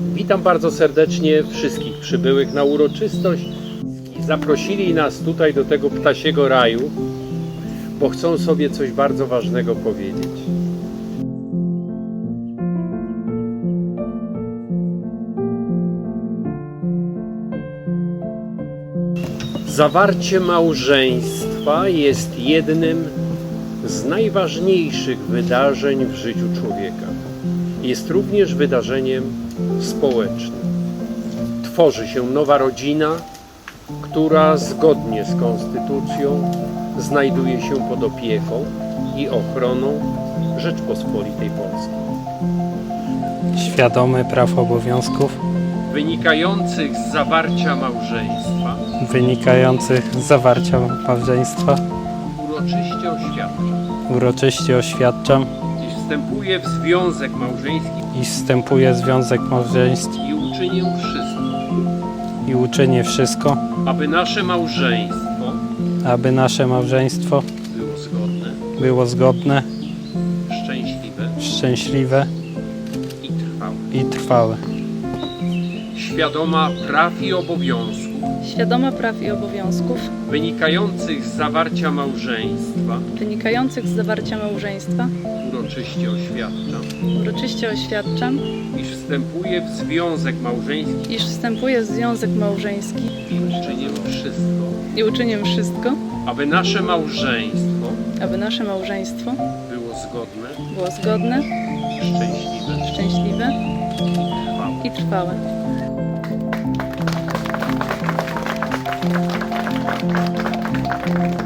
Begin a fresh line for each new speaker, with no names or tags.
Witam bardzo serdecznie wszystkich przybyłych na uroczystość. Zaprosili nas tutaj do tego ptasiego raju, bo chcą sobie coś bardzo ważnego powiedzieć. Zawarcie małżeństwa jest jednym z najważniejszych wydarzeń w życiu człowieka. Jest również wydarzeniem społecznym. Tworzy się nowa rodzina, która zgodnie z konstytucją znajduje się pod opieką i ochroną Rzeczpospolitej Polskiej.
Świadomy praw obowiązków
Wynikających z zawarcia małżeństwa
uroczyście oświadczam,
iż wstępuję w związek małżeński i uczynię wszystko,
aby nasze małżeństwo
było zgodne,
szczęśliwe
i trwałe.
Świadoma praw i obowiązków
Wynikających z zawarcia małżeństwa
uroczyście oświadczam,
iż wstępuję w związek małżeński
i uczynię wszystko,
aby nasze małżeństwo
było zgodne, szczęśliwe
i trwałe.
i trwałe.